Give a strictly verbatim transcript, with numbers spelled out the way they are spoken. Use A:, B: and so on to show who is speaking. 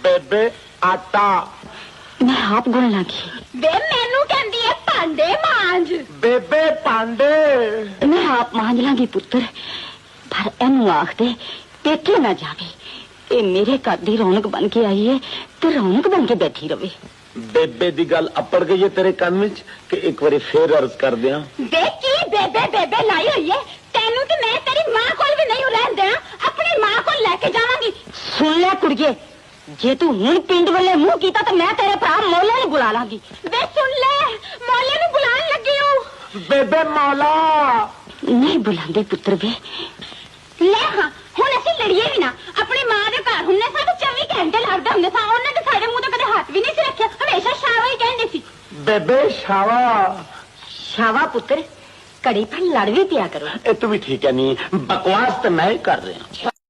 A: बेबे आटा
B: मैं आप गुण लगी
C: वे मैनू कहंदी है भांडे मांज
A: बेबे पांडे
B: मैं आप मांज लांगी पुत्र पर एनू आख दे पेके ना जावे ये मेरे घर दी रौनक बन के आई है ते रौनक बन के बैठी रवे
A: बेबे दी गल अपड़ गई है तेरे कान विच कि एक बारी फिर अर्ज कर दियां
C: वे की बेबे बेबे लाई हुई है तेनू ते मैं तेरी मां कोल भी नहीं रहन देना अपनी मां कोल लेके जावांगी
B: सुन ले कुड़िए जे तू हुण पिंड वाले मुंह कीता तो मैं तेरे भरा मोले नु बुला लांगी
C: वे सुन ले मोले नु बुलान लगी हूं
A: बेबे मौला
B: नहीं बुलांदे पुत्र वे
C: ले हां हुण असि लड़िए भी ना अपनी मां दे घर हुन्ने साडे चौबीस घंटे लगदे हुंदे सा ओने ते साडे मुंह ते कदे हाथ भी नहीं सी रखिया हमेशा शावा ही कहंदे सी
A: बेबे शावा
B: शावा पुत्र कड़ी पर लड़ भी पिया करो
A: ए तू भी ठीक है नहीं बकवास तो मैं ही कर रहा